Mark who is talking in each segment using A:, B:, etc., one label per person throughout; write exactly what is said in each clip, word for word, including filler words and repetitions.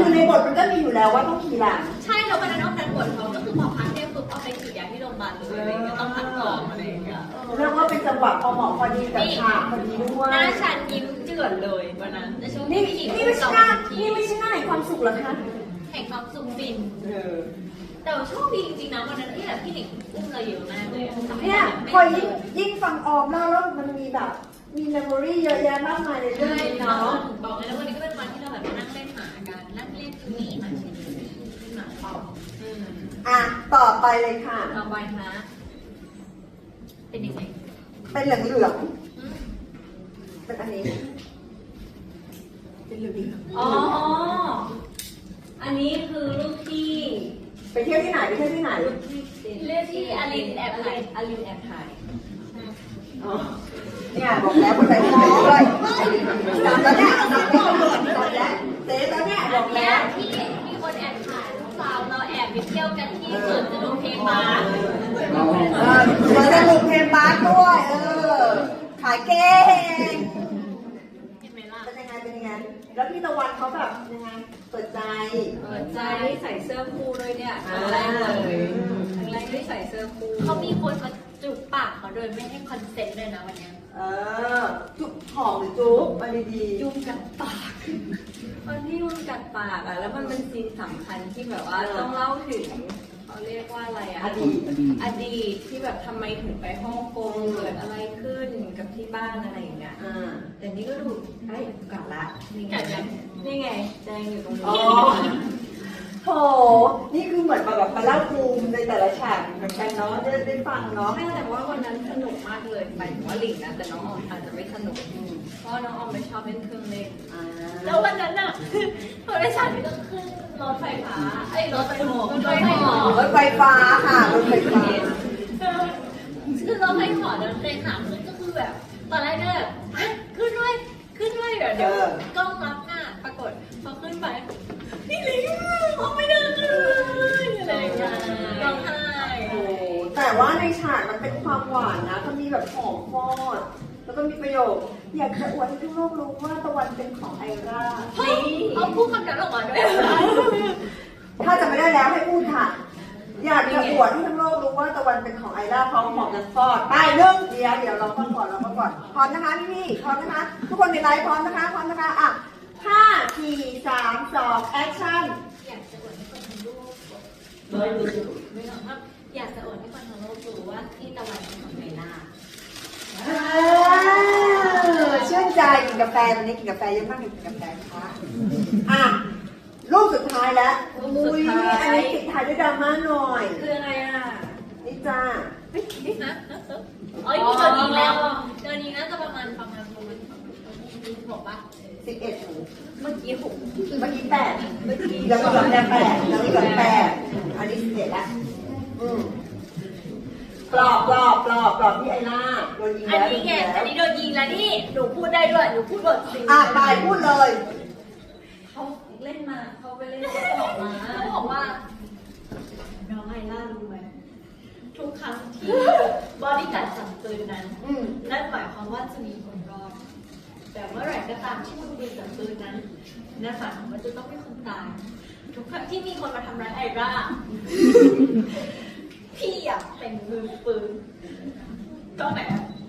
A: คือในบทมันก็มีอยู่แล้วว่าต้องขี่หลัง
B: ใช่แล้ววันนั้นออมดันบทเขาก็คือพอพักเนี่ยปุ๊บเอาไปฉีดยาที่โรงพยาบาลเลยอะไรเงี้ยต้องพักก่อนอะไรอย่างเงี้ย
A: เรียกว่าเป็นจังหวะพอเหมาะพอดีกับฉากพอดีด้วย
B: หน้าฉันยิ้มเจือนเลยวันนั้นในช่วง
A: นี่
B: ที่
A: นี่ไม่ใช่หน้านี่ไม่ใช่หน้าแห่งความสุขหรอคะ
B: แห่งความสุขฟินแต่ว่าโชคดีจริงๆนะวันนั้นที่แบบพี่หนิงอุ้มเราเยอะมากเลย
A: เนี่ยพอยิ่งยิ่งฟังออมเล่าแล้วมันมีแบบมีเมมโมรี่เยอะแยะมากมายในเรื่องนี้เนาะ
B: บอกเลยแล้ววันนี้ก็เป็นวันที่เราแบบมานั่งเล่นหมากันนั่งเล่นจูนี่หมาชินหมาปอม
A: อ่ะต่อไปเลยค่ะ
B: ต่อไปนะเป็นยังไง
A: เป็นเหลืองเหลืองเป็นอันนี้เป็นเหลืองเหลือง
B: อ๋ออันนี้คือรูปที่
A: ไปเที่ยวที่ไหนไปเที่ยวที่ไหน
B: เรื่องที่อลินแอบถ่ายอลินแอบถ่าย
A: เนี่ยบอกแล้วคนใส่ชุดไปด้วยตอนนี้ตอนนี้ตำรวจตอนนี้เต้ตอนนี้บอกแล้ว
B: ที่มีคนแอบถ่ายลูกสาวเราแอบไปเที่ยวกันที่สวนสนุกเพลงบาส
A: สวนสนุกเพลงบาสด้วยเออขายเก่ง
B: เห็นไหมล่ะ
A: เป็นยังไงเป็นยังไงแล้วพี่ตะวันเขาแบบยังไงเปิดใจ
B: เปิดใจใส่เสื้อคู่ด้วยเนี่ยครั้งแรกเลยครั้งแรกที่ใส่เสื้อคู่เขามีคนมาจุบปากเขาโดยไม่ให้คอนเซ็นต์เลยนะวันนี้
A: เออจุบหอมหรือจุบมาดี
B: ๆจุบกัดปากวันที่จุบกัดปากอ่ะแล้วมันเป็นซีนสำคัญที่แบบว่าต้องเล่าถึงเขาเรียกว่าอะไรอ่ะ
A: อดีต
B: อดีตที่แบบทำไมถึงไปฮ่องกงเกิดอะไรขึ้นกับที่บ้านอะไรอย่างเงี้ยแต่นี่ก็ดูไอ้กัดละนี่ไงนี่ไงแจงอยู่ตรงนี้
A: โถนี่คือเหมือนมาแบบมาเล่าภูมิในแต่ละฉากเหมือนกันเนาะได้ได้ฟังเนาะ
B: ไม่แต่ว่าวันนั้นสนุกมากเลยหมายถึงว่าหลิงนะแต่น้องออมอาจจะไม่สนุกเพราะน้องออมไม่ชอบเล่นเครื่องเล่นแล้ววันนั้นน่ะพอได้ฉากนี้ก็ขึ้นรถไฟฟ้าไอ้รถไฟหอรถไฟหอ
A: รถไฟฟ้าค่ะรถไฟฟ้า
B: คือรถไฟหอเดินไปหาขึ้นก็คือแบบตอนแรกเนี่ยขึ้นด้วยขึ้นด้วยเดี๋ยวเดี๋ยวกล้องรับหน้าปรากฏพอขึ้นไปนี่ลิงเขาไม่ได้เลยอะไรอย่างเงี้ยร้องไห้
A: โอ้แต่ว่าในฉากมันเป็นความหวานนะเขามีแบบหอมฟอดแล้วก็มีประโยคอยากจะอวดให้ทุกโลกรู้ว่าตะวันเป็นของไอร่า
B: เอาพูดคำนั้นออกมาด้วย
A: ถ้าจะไม่ได้แล้วให้พูดค่ะอยากจะอวดให้ทั้งโลกรู้ว่าตะวันเป็นของไอร่าพร้อมหอมกันฟอดไปเรื่องเดียวเดี๋ยวเราฟังก่อนเราฟังก่อนพร้อมนะคะพี่พี่พร้อมนะคะทุกคนในไลฟ์พร้อมนะคะพร้อมนะคะอ่ะห้าสี่สามสองแอคชั่น
B: อยากจะอวดให้คนทั้งโลกไม่รู้ไม่หรอกครับอยากจะอวดให้คนทั้งโลกรู้ว่าที่ตะวันเป็นของไอร่า
A: ชื่นใจกินกาแฟตอนนี้กินกาแฟเยอะมากกินกาแฟค่ะอ่ะรูปสุดท้ายแล้วมุ้ยอันนี้ปิดท้ายด้วยดราม่าหน่อย
B: คืออะไรอ่ะ
A: นี่จ้า
B: นี่นะอ๋อนี่เจอดีแล้วเจอดีน่าจะประมาณประมาณประมาณหกป่ะ
A: สิบเอ็ด
B: เมื่อกี้หก
A: เมื่อกี้แปดเมื่อกี้แล้วก็แบบแปดแล้วก็แบบแปดอันนี้สิบเอ็ดแล้วอืมปลอบปลอบปลอบปลอบที่ไอ้หน้าโดนยิงแล้ว
B: อันนี้ไงอันนี้โดนยิงแล้วนี่หนูพูดได้ด้วยหนูพูดบทสิ
A: อ่ะไปพูดเลย
B: เขาเล่นมาเขาไปเล่นเขาบอกมาเขาบอกว่าน้องไอล่ารู้ไหมทุกครั้งที่บอดี้การ์ดจับปืนนั้นนั่นหมายความว่าจะมีคนรอดแต่เมื่อไหร่ก็ตามที่มือปืนจับปืนนั้นนั่นหมายความว่าจะต้องมีคนตายทุกครั้งที่มีคนมาทำร้ายไอร่าพี่อยากเป็นมือปืนก็ไหน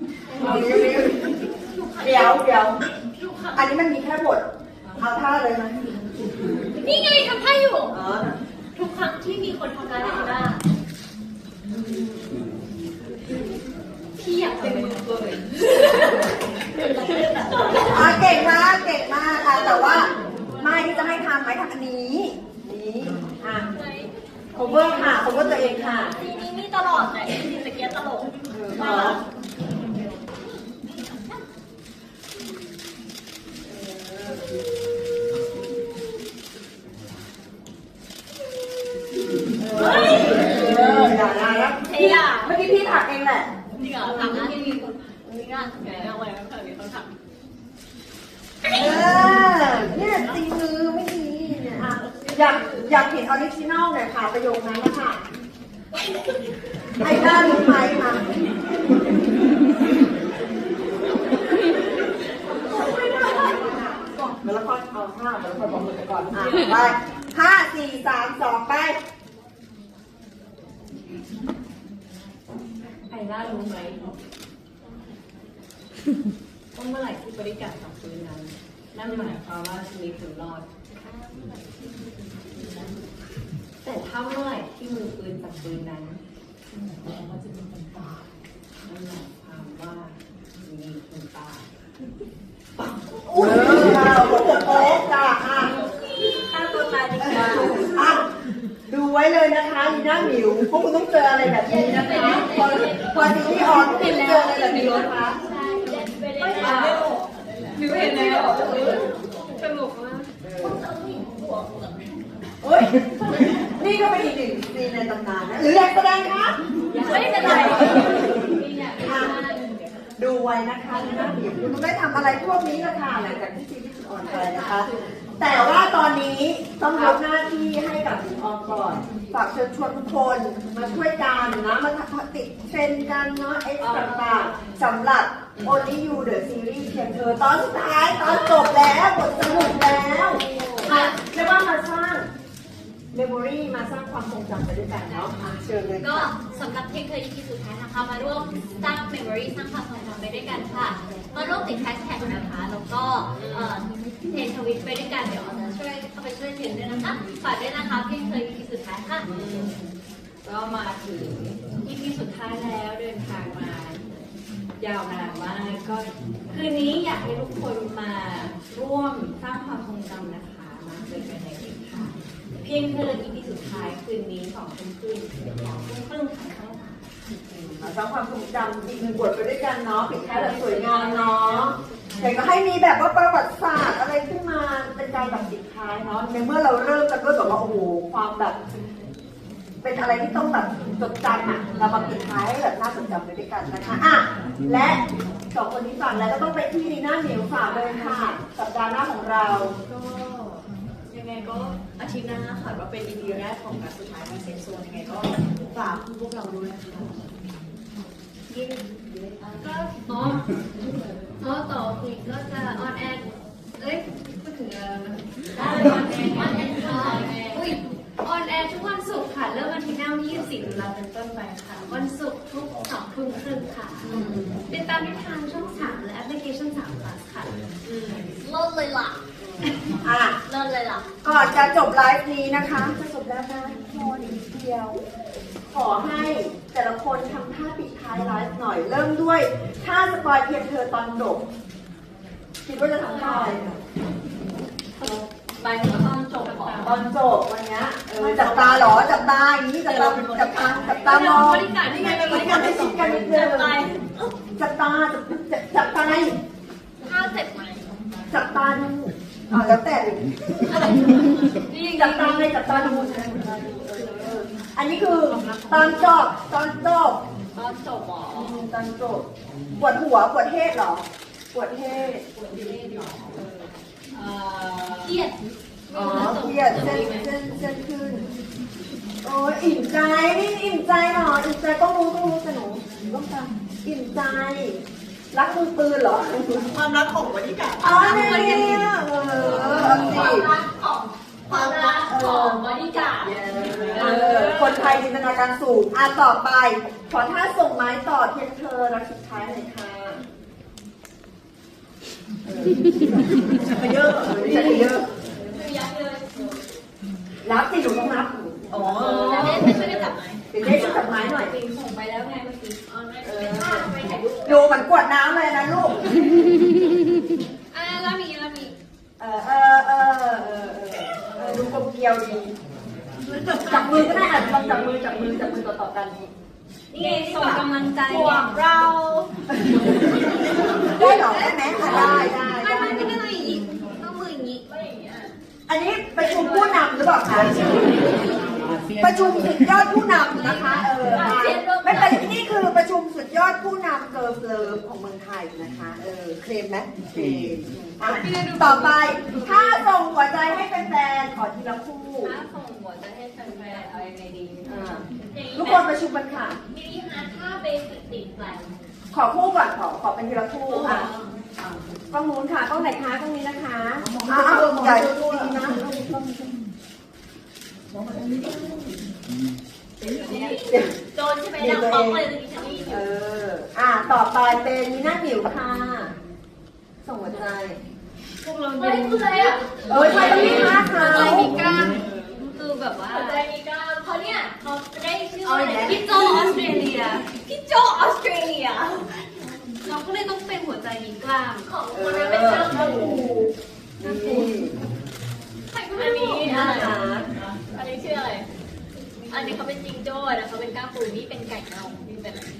A: เดี๋ยวเดี๋ยวอันนี้มันมีแค่บทเอาท่าเลยไหม
B: นี่ไงทำท่าอยู่ทุกครั้งที่มีคนทำร้ายไอร่าพี่อยากเป็นมือปืน
A: อ่ะเก่งมากเก่งมากค่ะแต่ว่าไม่ที่จะให้ทำไหมทำอันนี้นี้อ่ะcover ค่ะ cover ตัวเองค่ะ
B: ทีนี้มีตลอดแต่ทีตะเกียบตลกมา
A: เฮ้ยเออด่าด่าแล้วเฮ้ยเมื่อกี้พี่ถักเองแหละ
B: จริงเหรอถักนะที่มีคนนี่ก็ไงเอาไว้แล้วเธอมีคนถัก
A: เออเนี่ยตีมือไม่ดีเนี่ยอ่ะอยากอยากเห็นออริจินอลหน่อยค่ะประโยคนั้นนะคะไอ้ด้ารู้ไหมคะเหมือนละครอนเอาห้าแต่ละคนบอกมือไปก่อนอ่ะไปห้าสี่สามสองไป
B: ไอล่ารู้ไหมว่าเมื่อไหร่ที่บริการจับปืนนั้นนั่นหมายความว่าชีวิตคุณรอด แต่ถ้าเมื่อไหร่ที่มือปืนจับปืนนั้นนั่นหมายความว่าจะมีคนตายนั่นหมายความว่ามีคนตาย
A: อุ้ยเราโอ้โหโป๊ะจ้ะอ่ะ
B: ฆ่าตัวตายดีกว่า
A: อ่ะดูไว้เลยนะคะลีน่าหมิวพวกคุณต้องเจออะไรแบบนี้นะคะพอพอซีรีส์ออนคุณเจออะไรแบบนี้นะคะ
B: ไม่เห็นแล้วหนูเห็นแล้วสนุกมาก
A: เฮ้ยนี่ก็เป็นอีกหนึ่งซีนในตำนานนะหรืออยากแสดงคะ
B: ไม่เป็นไร
A: อ่ะดูไว้นะคะลีน่าหมิวคุณไม่ทำอะไรพวกนี้ละค่ะหลังจากที่ซีรีส์ออนไปนะคะ แต่ว่าตอนนี้ต้องยกหน้าที่ให้กับคุณออมก่อนฝากเชิญชวนทุกคนมาช่วยกันนะมาติดเทรนด์กันเนาะเอ็กซ์ต่างๆสำหรับ Only You The Series เพียงเธอตอนสุดท้ายตอนจบแล้วบทสรุปแล้วค่ะเรียกว่ามาสร้างเมมโมรีมาสร้างความทรงจำไปด้วยกันเนาะอ่ะเชิญเลย
C: ก็
A: ค่ะ
C: สำหรับเพียงเคย อี พี สุดท้ายนะคะ มาร่วมสร้างเมมโมรีสร้างความทรงจำไปด้วยกันค่ะ มาร่วมติดแฮชแท็กนะคะ แล้วก็เอ่อเทรนทวิตไปด้วยกัน เดี๋ยวเราจะช่วยเข้าไปช่วยเทรนด้วยนะคะ ฝากด้วยนะคะเพียงเคย อี พี สุดท้ายค่ะ
B: ก็มาถึง อี พี สุดท้ายแล้วเดินทางมายาวนานมากก็คืนนี้อยากให้ทุกคนมาร่วมสร้างความทรงจำนะคะมาเจอกันในอีกค่ะเพียงเธอ อี พี สุดท้ายคืนนี้สองทุ่มครึ่งสองทุ่มครึ่งค่ะ
A: มาสร้างความทรงจำอีกหนึ่งบทไปด้วยกันเนาะปิดท้ายแบบสวยงามเนาะอยากจะให้มีแบบว่าประวัติศาสตร์อะไรขึ้นมาเป็นการแบบปิดท้ายเนาะในเมื่อเราเริ่มกันด้วยแบบว่าโอ้โหความแบบ เป็นอะไรที่ต้องแบบจดจำอ่ะเรามาปิดท้ายให้แบบน่าจดจำไปด้วยกันนะคะอ่ะและสองคนนี้ฝากแล้วก็ต้องไปที่ลีน่าเหนียวฝากเลยค่ะสัปดาห์หน้าของเรา
B: ก็ยังไงก็อาทิตย์หน้าค่ะว่าเป็น อี พี แรกของการสุดท้ายของเซนโซนยังไงก็ฝากพวกเราด้วยนะคะยิ่ง
C: ก็อ๋ออ๋อต่ออีกก็จะออนแอร์เอ้ยพูดถึงอะไรนะออนแอร์ออนแอร์ค่ะอุ้ยออนแอร์ทุกวันศุกร์ค่ะ เริ่มวันที่หน้าวันที่ยี่สิบสี่ตุลาเป็นต้นไปค่ะ วันศุกร์ทุกสองทุ่มครึ่งค่ะ ติดตามได้ทางช่องสามและแอปพลิเคชันสาม plus ค่ะลดเลยล่ะ
A: อ่ะ
C: ลดเลยล่ะ
A: ก่อนจะจบไลฟ์นี้นะคะจะจบแล้วนะพออีกเดียว ขอให้แต่ละคนทำท่าปิดท้ายไลฟ์หน่อย เริ่มด้วยท่าสปอยเพียงเธอตอนจบคิดว่าจะทำท่าอะไรคะ
B: ไปถึงตอนจบของ
A: ตอนจบวันเนี้ยเออจับตาเหรอจับตาอย่างนี้จับตาจับตาจับตามอง
C: บริการที่
A: นี่
C: ไง
A: ไง
C: เป็น
A: บบ ริ
C: ริ
A: กา
C: การ ร
A: ให้
C: ให้
A: ชิ
C: สิ
A: ด
C: บ
A: กั
C: กัน น
A: นิ
C: นิ
A: ด
C: ด
A: นึ
C: นึ
A: ง
C: ง
A: จับตาจับจับตาจับจับตา
C: ข้าวเสร็จไหม
A: จับตาดูอ่าแล้วแต่เลย
C: นี่
A: จับตาเลยจับตาดูเอออันนี้คือตอนจบตอนจบ
B: ตอนจบหรอ
A: ตอนจบปวดหัวปวดเทศเหรอปวดเทศ
B: เอ่อ
C: เครียด
A: อ๋อเครียดเส้นเส้นเส้นขึ้นโอ้ยอิ่มใจนี่อิ่มใจเหรออิ่มใจต้องรู้ต้องรู้แต่หนูต้องจำอิ่มใจรักมือปืนเหรอ
D: ความรักของบริการ
A: อ๋อเนี่ยเออเอาสิ
C: ความรักของความรักของบริการ
A: เออคนไทยจินตนาการสูงอ่ะต่อไป ขอท่าส่งไม้ต่อเพียงเธอรักสุดท้ายหน่อยค่ะชักเยอะชักเยอะ
C: คือยักษ์เลย
A: รับสิหนูต้องรับ
D: อ๋อ
C: จะได้ไม่ช่วยกันจับไหม
A: เดี๋ยวได้ช่วยจับไม้หน่อย
B: ส่งไปแล้วไงเมื่อกี้
C: อ๋อไม่ไปถ่ายรูป
A: ดูเหมือนกวดน้ำเลยนะลูก
C: อ่ะแล้วมีแล้วมี
A: เออเออเออเออเออเออดูกลมเกลียวดีจับมือก็ได้อ่ะลองจับมือจับมือจับมือต่อต่อๆกัน
B: นี่ไงส่งกำลังใจ
C: พวกเรา
A: ได้เหรอได้ไหมอ่ะได้ได้
C: ไม่
A: ได้
C: ไม่ไม่ได้อย่างนี้ต้องมืออย่างนี้ไม่อย่างนี้
A: อันนี้ประชุมผู้นำหรือเปล่าคะประชุมสุดยอดผู้นำนะคะเออไม่เป็นนี่คือประชุมสุดยอดผู้นำเกิร์ลเลิฟของเมืองไทยนะคะเออเคลมไหมเคลมอ่ะต่อไปถ้าส่งหัวใจให้แฟนๆขอทีละคู่
B: ถ้าส่งหัวจะให้แฟนๆเอายังไงดี
A: อ่าทุกคนประชุมกันค่ะ
C: มีฮาร์ท่าเบสิกติดแปลง
A: ขอคู่ก่อนขอขอเป็นทีละคู่อ่ะกล้องนู้นค่ะกล้องไหนคะกล้องนี้นะคะอ้าวใหญ่ดูนะ
B: โจนใช่ไหมดังป๊อกเลยตะกี้ฉันได้ยินอ
A: เอยู่ ออ่ะต่อไปเป็นมีหน้าผิวค่ะส่งหัวใจ
C: พวกเรา
B: เฮ้ยคืออะไรอ่ะ
A: เอ้ยทำไมต้องมีผ้าขาว
C: ใจมีกล้ามคือแบบว่า
B: หัวใจมีกล้ามเขาเนี่ยเขาได้ชื่อ
A: เอา
B: ว่า
A: อีกแล้ว
C: พี่โจออสเตรเลีย
B: พี่โจออสเตรเลีย
C: เราก็เลยต้องเป็นหัวใจมีกล้าม
B: ของคนนั้นเป็นกล้ามปู
A: นี่
B: ใครก็ไม่รู้อันนี้
A: น่า
B: อะไร
A: รัก
B: อันนี้ชื่ออะไร อันนี้เขาเป็นจิงโจ้นะเขาเป็นกล้ามปูนี่เป็นไก่เน่านี่เป็นอะไร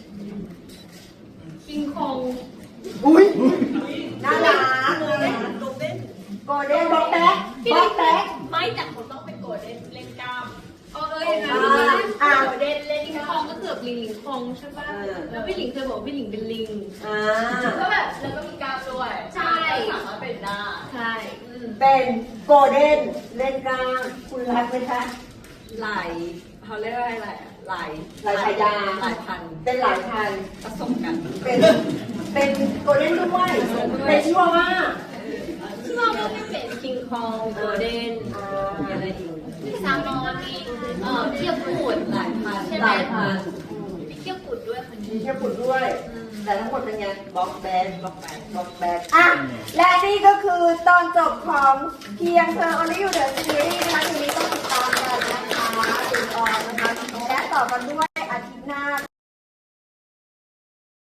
C: คิงคอง
A: อุ้ยน่ารัก
B: โกลเด้นโกลเด้น
A: โกลเด้นบ็อกแบ็คบ็อกแบ็ค
B: ไม่แต่คนต้องเป็นโกลเด้นเล่นกล้าม
C: เออเอออย่างนั้น
A: อ่า
B: โกลเด้นเล่น
C: คิง
B: กล้า
C: คอง
B: ม
C: ก็เกือบลิงลิงคองใช่ป่ะ แล้วพี่หลิงเคยบอกว่าพี่หลิงเป็นลิง
A: อ่า
B: ก็แบบแล้วก็มีกล้ามด้วย
C: ใช่
B: สามารถเป็นได้
C: ใช่
A: เป็นโกลเด้นเล่นกลางคุณรักไหมคะ
B: หลายเขาเรียกว่าอะไรอะหลาย
A: หลายฉายา
B: หลายพัน
A: เป็นหลายพัน
B: ผสมกัน
A: เป็นเป็นโกลเด้นด้วยเป็นชื่อว่า
B: ที่เราก็ไม่เป็นคิงคองโกลเด้น
A: อ่า
B: มีอะไรอีก
C: ซามอนมีเอ่อเทียบปูด
B: หลายพันใช่
A: ห
B: ไหม
A: ลายพัน
B: มีเทียบกุดด้วยคน
A: มี
B: นี้
A: เทียบปุ่นด้วย แต่ทั้งหมดเป็นไงบ็อกแบ็ค
B: บอกไป
A: บอกแบกอ่ะ และนี่ก็คือตอนจบของเพียงเธอ Only You The Series นะคะทีนี้ต้องติดตามกันนะคะติดออนนะคะ และต่อกันด้วยอาทิตย์หน้า